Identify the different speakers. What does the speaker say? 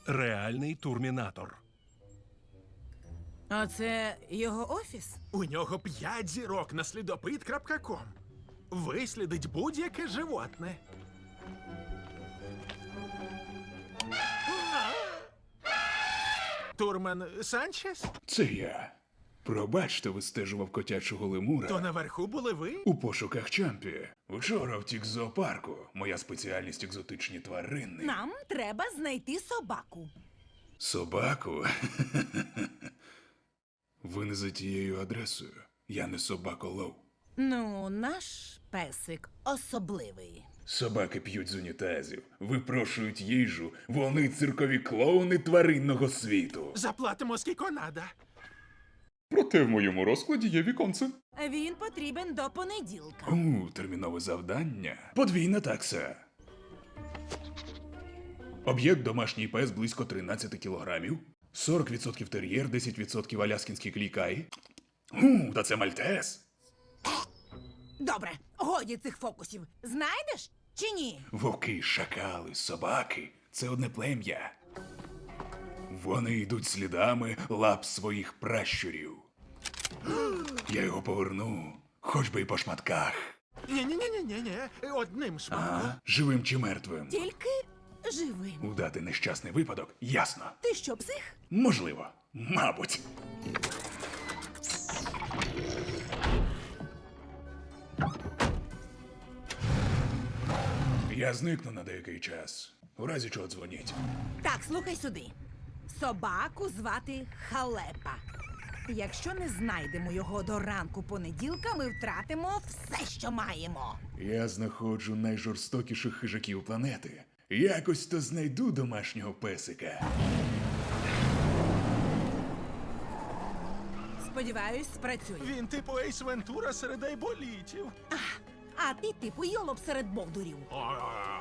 Speaker 1: Реальний турмінатор.
Speaker 2: А це його офіс?
Speaker 3: У нього 5 зірок на слідопит.ком. Вислідить будь-яке животне. Турман Санчес?
Speaker 4: Це я. Пробачте, вистежував котячого лемура
Speaker 3: То наверху були ви?
Speaker 4: у пошуках Чампі. Вчора втік з зоопарку. Моя спеціальність екзотичні тварини.
Speaker 2: Нам треба знайти собаку.
Speaker 4: Собаку? Ви не за тією адресою. Я не собаколов.
Speaker 2: Ну, наш песик особливий.
Speaker 4: Собаки п'ють з унітазів, випрошують їжу. Вони циркові клоуни тваринного світу.
Speaker 3: Заплатимо скільки надо.
Speaker 4: Проте в моєму розкладі є віконце.
Speaker 2: Він потрібен до понеділка.
Speaker 4: Термінове завдання. Подвійна такса. Об'єкт домашній пес близько 13 кілограмів. 40% тер'єр, 10% аляскінський клікай. Та це мальтез.
Speaker 2: Добре, годі цих фокусів. Знайдеш чи ні?
Speaker 4: Вовки, шакали, собаки – це одне плем'я. Вони йдуть слідами лап своїх пращурів. Я його поверну, хоч би й по шматках.
Speaker 3: Ні-ні-ні-ні-ні. Одним шматком.
Speaker 4: Живим чи мертвим.
Speaker 2: Тільки живим.
Speaker 4: Удати нещасний випадок – ясно.
Speaker 2: Ти що, псих?
Speaker 4: Можливо. Мабуть. Я зникну на деякий час. У разі чого дзвоніть.
Speaker 2: Так, слухай сюди. Собаку звати Халепа. Якщо не знайдемо його до ранку понеділка, ми втратимо все, що маємо.
Speaker 4: Я знаходжу найжорстокіших хижаків планети. Якось то знайду домашнього песика.
Speaker 2: Сподіваюсь, спрацює.
Speaker 3: Він типу Ейс Вентура серед айболітів.
Speaker 2: А ти типу йолоп серед бовдурів.